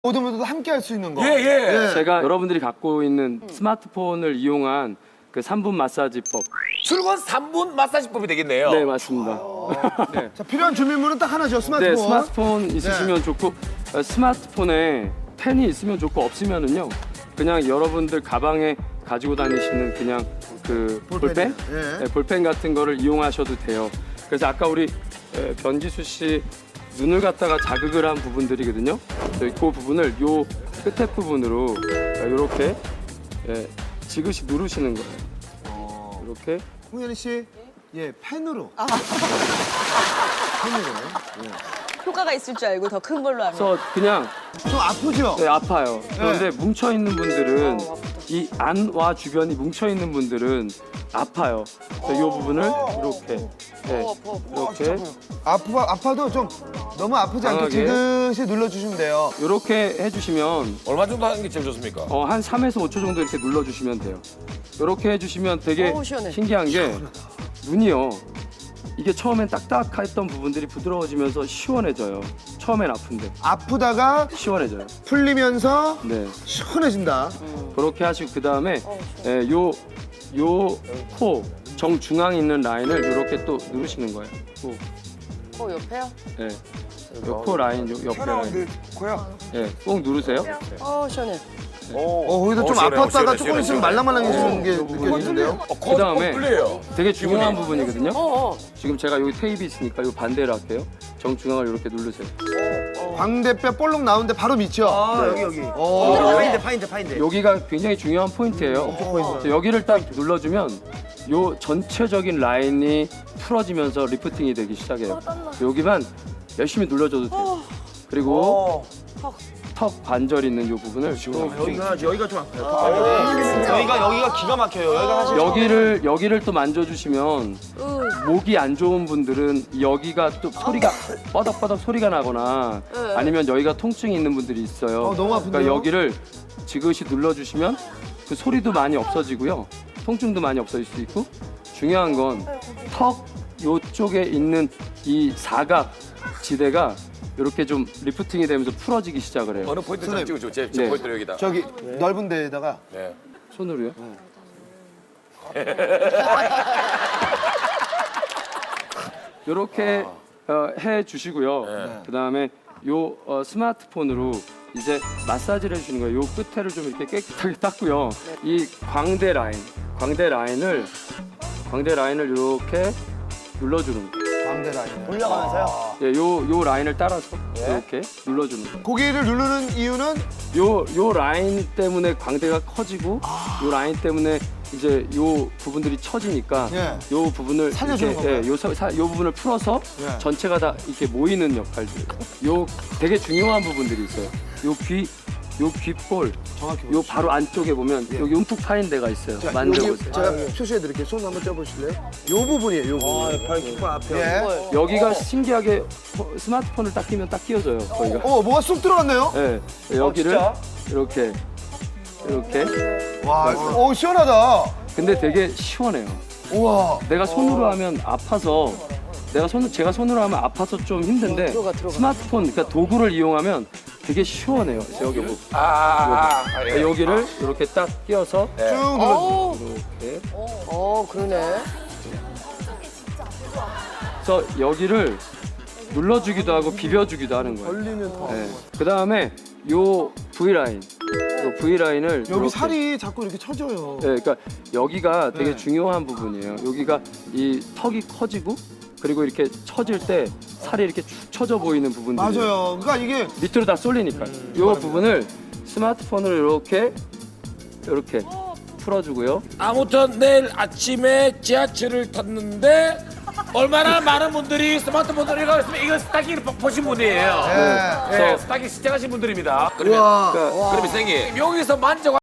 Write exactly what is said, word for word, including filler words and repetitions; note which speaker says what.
Speaker 1: 모두 모두 함께 할 수 있는 거.
Speaker 2: 예, 예.
Speaker 3: 네. 제가 여러분들이 갖고 있는 스마트폰을 이용한 그 삼 분 마사지법.
Speaker 2: 출근 삼 분 마사지법이 되겠네요.
Speaker 3: 네, 맞습니다. 네.
Speaker 1: 자, 필요한 준비물은 딱 하나죠. 스마트폰.
Speaker 3: 네, 스마트폰 있으시면 좋고 어, 스마트폰에 펜이 있으면 좋고 없으면은요. 그냥 여러분들 가방에 가지고 다니시는 그냥 그 볼펜,
Speaker 1: 예.
Speaker 3: 네, 볼펜 같은 거를 이용하셔도 돼요. 그래서 아까 우리 에, 변지수 씨 눈을 갖다가 자극을 한 부분들이거든요. 그 부분을 요 끝에 부분으로 이렇게 예, 지그시 누르시는 거예요. 이렇게.
Speaker 1: 홍현희 씨, 예, 펜으로.
Speaker 4: 아.
Speaker 1: 펜으로.
Speaker 4: 효과가 있을 줄 알고 더 큰 걸로 하면.
Speaker 3: 그래서 그냥
Speaker 1: 좀 아프죠?
Speaker 3: 네, 아파요. 그런데 뭉쳐 있는 분들은 이 안와 주변이 뭉쳐 있는 분들은 아파요. 그래서 이 부분을 이렇게 네, 이렇게
Speaker 1: 아프가 아파도 좀 너무 아프지 않게
Speaker 3: 강하게.
Speaker 1: 지그시 눌러주시면 돼요.
Speaker 3: 이렇게 해주시면
Speaker 2: 얼마 정도 하는 게 제일 좋습니까?
Speaker 3: 어, 한 삼에서 오 초 정도 이렇게 눌러주시면 돼요. 이렇게 해주시면 되게
Speaker 4: 어우, 시원해.
Speaker 3: 신기한 게 눈이요. 이게 처음엔 딱딱했던 부분들이 부드러워지면서 시원해져요. 처음엔 아픈데
Speaker 1: 아프다가
Speaker 3: 시원해져요.
Speaker 1: 풀리면서
Speaker 3: 네,
Speaker 1: 시원해진다.
Speaker 3: 그렇게 하시고 그 다음에 요 요 코 정중앙에 있는 라인을 이렇게 또 누르시는 거예요. 코,
Speaker 4: 어, 옆에요?
Speaker 3: 네, 요 코 라인, 요 옆에 라인,
Speaker 1: 코야.
Speaker 3: 네, 꼭 누르세요.
Speaker 4: 어, 시원해.
Speaker 1: 어, 거기서 좀
Speaker 2: 시원해,
Speaker 1: 아팠다가
Speaker 2: 시원해,
Speaker 1: 조금
Speaker 2: 시원해,
Speaker 1: 있으면
Speaker 2: 시원해.
Speaker 1: 말랑말랑해지는 게
Speaker 3: 어,
Speaker 1: 느껴지는데요.
Speaker 2: 어, 코,
Speaker 3: 그다음에
Speaker 2: 코 풀려요.
Speaker 3: 되게 중요한 부분이거든요.
Speaker 4: 어, 어.
Speaker 3: 지금 제가 여기 테이프 있으니까 요 반대로 할게요. 정중앙을 이렇게 누르세요.
Speaker 1: 광대뼈 볼록 나오는데 바로 밑죠?
Speaker 5: 아, 여기 여기.
Speaker 1: 어.
Speaker 5: 파인데 파인데 파인데.
Speaker 3: 여기가 굉장히 중요한 포인트예요. 그래서 여기를 딱 눌러주면 요 전체적인 라인이 풀어지면서 리프팅이 되기 시작해요. 여기만 열심히 눌러줘도 돼요. 그리고 턱 관절 있는 요 부분을
Speaker 5: 여기가 여기가 좀 아파요. 여기가 여기가 기가 막혀요. 여기가 사실
Speaker 3: 여기를 여기를 또 만져주시면 목이 안 좋은 분들은 여기가 또 소리가 뻐덕뻐덕 소리가 나거나 아니면 여기가 통증이 있는 분들이 있어요.
Speaker 1: 어, 너무 아픈데요?
Speaker 3: 그러니까 여기를 지그시 눌러주시면 그 소리도 많이 없어지고요, 통증도 많이 없어질 수 있고 중요한 건 턱 요쪽에 있는 이 사각 지대가 이렇게 좀 리프팅이 되면서 풀어지기 시작을 해요.
Speaker 2: 어느 포인트 좀
Speaker 1: 선생님.
Speaker 2: 찍어줘. 제, 제
Speaker 3: 네.
Speaker 2: 포인트로 여기다.
Speaker 1: 저기 넓은 데에다가
Speaker 2: 네.
Speaker 3: 손으로요? 이렇게 어, 해 주시고요.
Speaker 2: 네.
Speaker 3: 그 다음에 요 어, 스마트폰으로 이제 마사지를 해주는 거예요. 요 끝에를 좀 이렇게 깨끗하게 닦고요. 이 광대 라인, 광대 라인을 광대 라인을 이렇게 눌러주는 거예요.
Speaker 1: 광대 라인.
Speaker 5: 올라가면서요.
Speaker 3: 예, 요, 요 라인을 따라서 이렇게 눌러주는 거예요.
Speaker 1: 고기를 누르는 이유는
Speaker 3: 요, 요 라인 때문에 광대가 커지고 요 라인 때문에 이제 요 부분들이 처지니까
Speaker 1: 예.
Speaker 3: 요 부분을
Speaker 1: 살려주는
Speaker 3: 이렇게,
Speaker 1: 건가요?
Speaker 3: 예, 요, 사- 사- 요 부분을 풀어서
Speaker 1: 예.
Speaker 3: 전체가 다 이렇게 모이는 역할들. 요 되게 중요한 부분들이 있어요. 요 귀, 요 귓볼,
Speaker 1: 정확히
Speaker 3: 요 바로 안쪽에 보면 여기 움푹 파인 데가 있어요.
Speaker 1: 자,
Speaker 3: 만져보세요.
Speaker 1: 여기 제가 표시해 드릴게요. 손 한번 쪄보실래요? 요 부분이에요. 요 부분.
Speaker 5: 발 킥볼 앞에.
Speaker 1: 예.
Speaker 3: 여기가 신기하게 호- 스마트폰을 딱 끼면 딱 끼워져요. 거기가.
Speaker 1: 어, 뭐가 쑥 들어갔네요?
Speaker 3: 예, 여기를
Speaker 5: 진짜?
Speaker 3: 이렇게 이렇게.
Speaker 1: 와, 오 시원하다.
Speaker 3: 근데 되게 시원해요.
Speaker 1: 우와.
Speaker 3: 내가 손으로 하면 아파서 내가 손 제가 손으로 하면 아파서 좀 힘든데
Speaker 4: 들어가, 들어가.
Speaker 3: 스마트폰 그러니까 도구를 이용하면 되게 시원해요. 그래서 여기 뭐
Speaker 2: 아, 아, 아, 예.
Speaker 3: 여기를 이렇게 딱 끼워서
Speaker 1: 쭉 눌러.
Speaker 4: 어,
Speaker 3: 이렇게
Speaker 4: 어, 그러네.
Speaker 3: 그래서 여기를 눌러주기도 하고 비벼주기도 하는 거예요.
Speaker 1: 걸리면 더.
Speaker 3: 네. 그 다음에 요 V 라인, 요 V 라인을
Speaker 1: 여기 살이 자꾸 이렇게 쳐져요.
Speaker 3: 네, 그러니까 여기가 되게
Speaker 1: 네.
Speaker 3: 중요한 부분이에요. 여기가 이 턱이 커지고 그리고 이렇게 처질 때 살이 이렇게 축 처져 보이는 부분들이
Speaker 1: 맞아요. 그러니까 이게
Speaker 3: 밑으로 다 쏠리니까 이 부분을 스마트폰으로 이렇게 이렇게 풀어주고요.
Speaker 2: 아무튼 내일 아침에 지하철을 탔는데 얼마나 많은 분들이 스마트폰을 이거 이거 스타킹을 보신 분이에요.
Speaker 1: 예.
Speaker 2: 네, 스타킹 시청하신 분들입니다. 그러면
Speaker 1: 우와.
Speaker 3: 그러니까
Speaker 2: 그러면 선생님 여기서 만져